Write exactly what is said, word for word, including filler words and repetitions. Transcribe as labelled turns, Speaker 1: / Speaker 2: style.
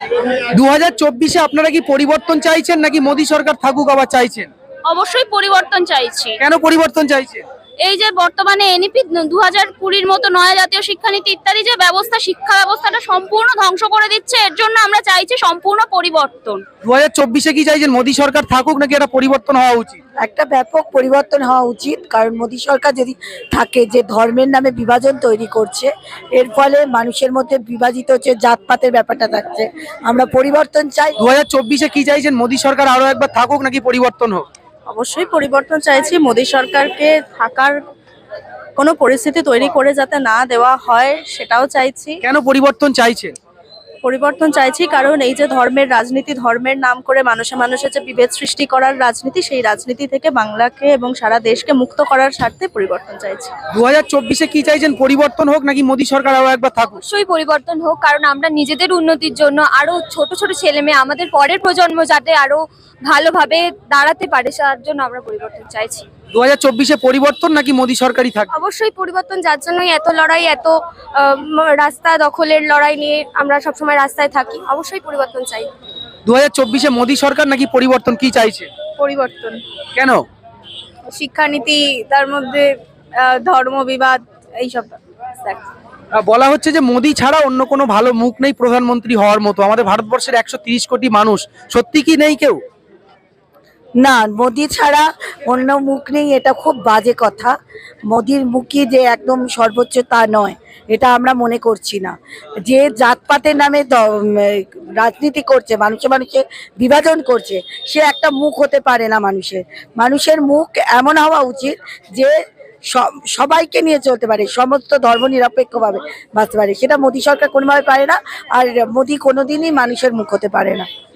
Speaker 1: দু হাজার চব্বিশে আপনারা কি পরিবর্তন চাইছেন নাকি মোদী সরকার থাকুক আবার চাইছেন?
Speaker 2: অবশ্যই পরিবর্তন চাইছি।
Speaker 1: কেন পরিবর্তন চাইছেন?
Speaker 2: এই যে বর্তমানে এনইপি দু হাজার কুড়ির মতো নয়া জাতীয় শিক্ষানীতি ইত্যাদি যে ব্যবস্থা, শিক্ষা ব্যবস্থাটা সম্পূর্ণ ধ্বংস করে দিচ্ছে, এর জন্য আমরা চাইছি সম্পূর্ণ পরিবর্তন।
Speaker 1: দু হাজার চব্বিশে কি চাইছেন মোদী সরকার থাকুক নাকি এটা পরিবর্তন হওয়া উচিত?
Speaker 3: একটা ব্যাপক পরিবর্তন হওয়া উচিত, কারণ মোদী সরকার যদি থাকে, যে ধর্মের নামে বিভাজন তৈরি করছে, এর ফলে মানুষের মধ্যে বিভাজিত হচ্ছে, জাতপাতের ব্যাপারটা থাকছে। আমরা পরিবর্তন চাই।
Speaker 1: দু হাজার চব্বিশে কি চাইছেন মোদী সরকার আরো একবার থাকুক নাকি পরিবর্তন হোক?
Speaker 4: অবশ্যই পরিবর্তন চাইছি। মোদী সরকারকে থাকার কোনো পরিস্থিতি তৈরি করে যাতে না দেওয়া হয় সেটাও চাইছি।
Speaker 1: কেন পরিবর্তন চাইছেন?
Speaker 4: পরিবর্তন চাইছি কারণ এই যে ধর্মের রাজনীতি, ধর্মের নাম করে মানুষে মানুষে যে বিভেদ সৃষ্টি করার রাজনীতি, সেই রাজনীতি থেকে বাংলাকে এবং সারা দেশকে মুক্ত করার স্বার্থে পরিবর্তন চাইছি।
Speaker 1: দু হাজার চব্বিশে কি চাইছেন পরিবর্তন হোক নাকি মোদী সরকার আরো একবার থাকুক?
Speaker 2: অবশ্যই পরিবর্তন হোক, কারণ আমরা নিজেদের উন্নতির জন্য, আরো ছোট ছোট ছেলে মেয়ে, আমাদের পরের প্রজন্ম যাতে আরো ভালোভাবে দাঁড়াতে পারে, তার জন্য আমরা পরিবর্তন চাইছি।
Speaker 1: দু হাজার চব্বিশে পরিবর্তন নাকি মোদী সরকারই থাকবে?
Speaker 2: অবশ্যই পরিবর্তন, যার জন্যই এত লড়াই, এত রাস্তা দখলের লড়াই নিয়ে আমরা সবসময় রাস্তায় থাকি। অবশ্যই পরিবর্তন চাই।
Speaker 1: দু হাজার চব্বিশে মোদী সরকার নাকি পরিবর্তন, কি চাইছে?
Speaker 4: পরিবর্তন।
Speaker 1: কেন?
Speaker 4: শিক্ষানীতি, তার মধ্যে ধর্ম বিবাদ, এইসব।
Speaker 1: আহ, বলা হচ্ছে যে মোদী ছাড়া অন্য কোনো ভালো মুখ নেই প্রধানমন্ত্রী হওয়ার মতো। আমাদের ভারতবর্ষের একশো তিরিশ কোটি মানুষ, সত্যি কি নেই কেউ?
Speaker 3: না, মোদি ছাড়া অন্য মুখ নেই, এটা খুব বাজে কথা। মোদির মুখই যে একদম সর্বোচ্চ তা নয়, এটা আমরা মনে করছি না। যে জাতপাতের নামে রাজনীতি করছে, মানুষে মানুষে বিভাজন করছে, সে একটা মুখ হতে পারে না মানুষের। মানুষের মুখ এমন হওয়া উচিত যে সবাইকে নিয়ে চলতে পারে, সমস্ত ধর্ম নিরপেক্ষভাবে বাঁচতে পারে। সেটা মোদী সরকার কোনোভাবে পারে না, আর মোদী কোনোদিনই মানুষের মুখ হতে পারে না।